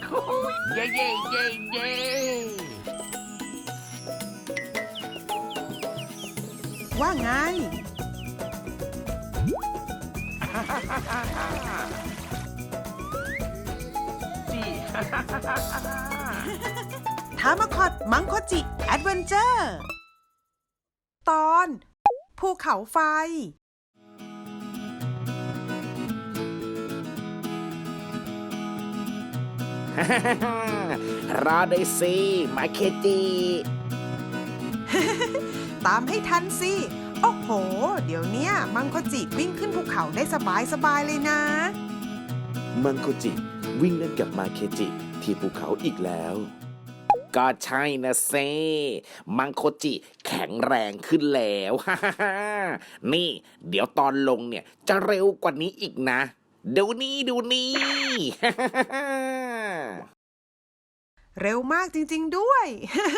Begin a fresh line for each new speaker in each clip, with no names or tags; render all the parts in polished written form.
เย้เย้เย้เย้
ว่าไง
จี
ทามาคอดมังโคจิแอดเวนเจอร์ตอนภูเขาไฟ
รอได้สิมาเคจิ
ตามให้ทันสิ โอ้โห เดี๋ยวเนี้ยมังโคจิวิ่งขึ้นภูเขาได้สบายเลยนะ
มังโคจิวิ่งเล่นกับมาเคจิที่ภูเขาอีกแล้ว ก็ใช่นะเซมังโคจิแข็งแรงขึ้นแล้ว นี่ เดี๋ยวตอนลงเนี่ยจะเร็วกว่านี้อีกนะดูนี่ดูนี่
เร็วมากจริงๆด้วย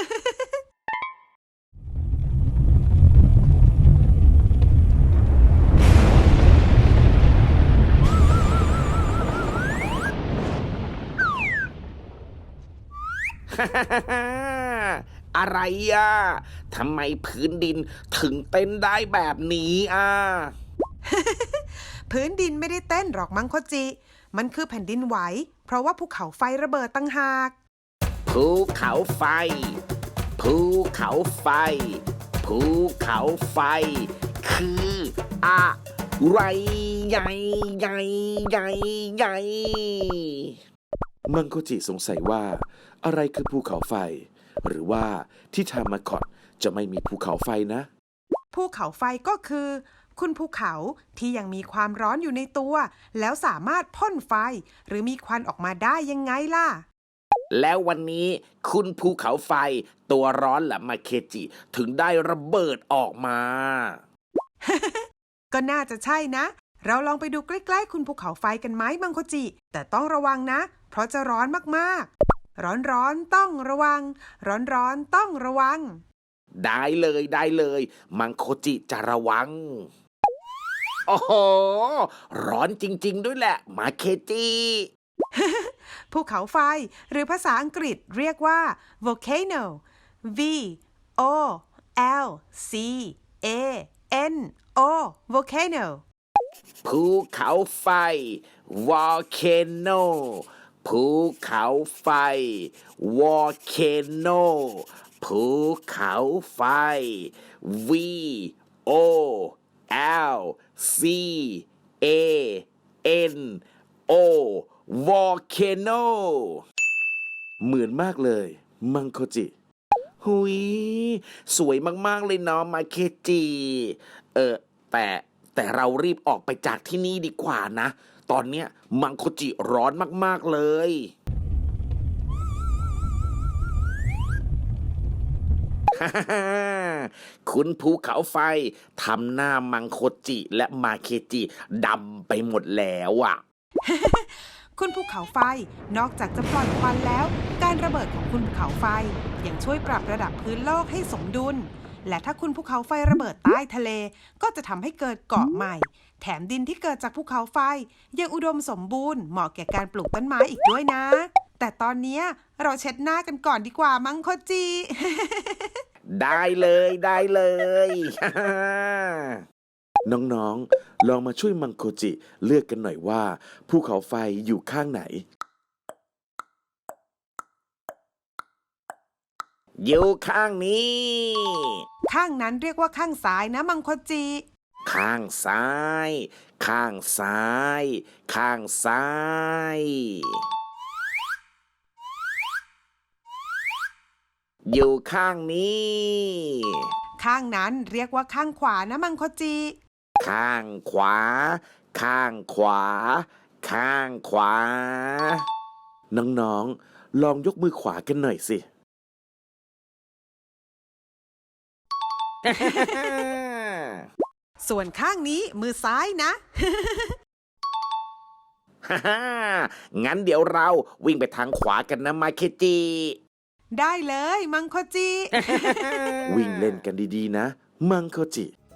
อะไรอ่ะทำไมพื้นดินถึงเต้นได้แบบนี้อ่ะ
พื้นดินไม่ได้เต้นหรอกมังโคจิ มันคือแผ่นดินไหว เพราะว่าภูเขาไฟระเบิดตั้งหาก
ภูเขาไฟ ภูเขาไฟ ภูเขาไฟ คืออะไรใหญ่ใหญ่ใหญ่ใหญ่มังโคจิสงสัยว่าอะไรคือภูเขาไฟ หรือว่าที่ทามาคอตจะไม่มีภูเขาไฟนะ
ภูเขาไฟก็คือ คุณภูเขาที่ยังมีความร้อนอยู่ในตัว แล้วสามารถพ่นไฟ หรือมีควันออกมาได้ยังไงล่ะ
แล้ววันนี้คุณภูเขาไฟตัวร้อนละมาเคจิถึงได้ระเบิดออกมา
ก็น่าจะใช่นะ เราลองไปดูใกล้ๆคุณภูเขาไฟกันไหมมังโคจิ แต่ต้องระวังนะ เพราะจะร้อนมากๆ ร้อนๆต้องระวัง ร้อนๆต้องระวัง
ได้เลยได้เลย มังโคจิจะระวัง โอ้โห ร้อนจริงๆด้วยแหละ มาเคจิ
ภูเขาไฟหรือภาษาอังกฤษเรียกว่า volcano V O L C A N O volcano
ภูเขาไฟ volcano ภูเขาไฟ volcano ภูเขาไฟ V O L C A N O volcano เหมือนมากเลยมังโคจิหุยสวยมากๆเลยเนาะมาเคจิแต่เรารีบออกไปจากที่นี่ดีกว่านะ ตอนเนี้ยมังโคจิร้อนมากๆเลย คุณภูเขาไฟทำหน้ามังโคจิและมาเคจิดำไปหมดแล้วอ่ะ
คุณภูเขาไฟนอกจากจะปล่อยควันแล้ว การระเบิดของคุณภูเขาไฟยังช่วยปรับระดับพื้นโลกให้สมดุล และถ้าคุณภูเขาไฟระเบิดใต้ทะเล ก็จะทำให้เกิดเกาะใหม่ แถมดินที่เกิดจากภูเขาไฟยังอุดมสมบูรณ์เหมาะแก่การปลูกต้นไม้อีกด้วยนะ แต่ตอนนี้เราเช็ดหน้ากันก่อนดีกว่ามังโคจิ
ได้เลยได้เลย น้องๆ ลองมาช่วยมังโคจิเลือกกันหน่อยว่าภูเขาไฟอยู่ข้างไหน อยู่ข้างนี้
ข้างนั้นเรียกว่าข้างซ้ายนะมังโคจิ
ข้างซ้าย ข้างซ้าย ข้างซ้าย อยู่ข้างนี้
ข้างนั้นเรียกว่าข้างขวานะมังโคจิ
ข้างขวา ข้างขวา ข้างขวา น้องๆ ลองยกมือขวากันหน่อยสิ
ส่วนข้างนี้มือซ้ายนะ
งั้นเดี๋ยวเราวิ่งไปทางขวากันนะมาเคจิ
ได้เลยมังโคจิ
วิ่งเล่นกันดีๆนะ มังโคจิ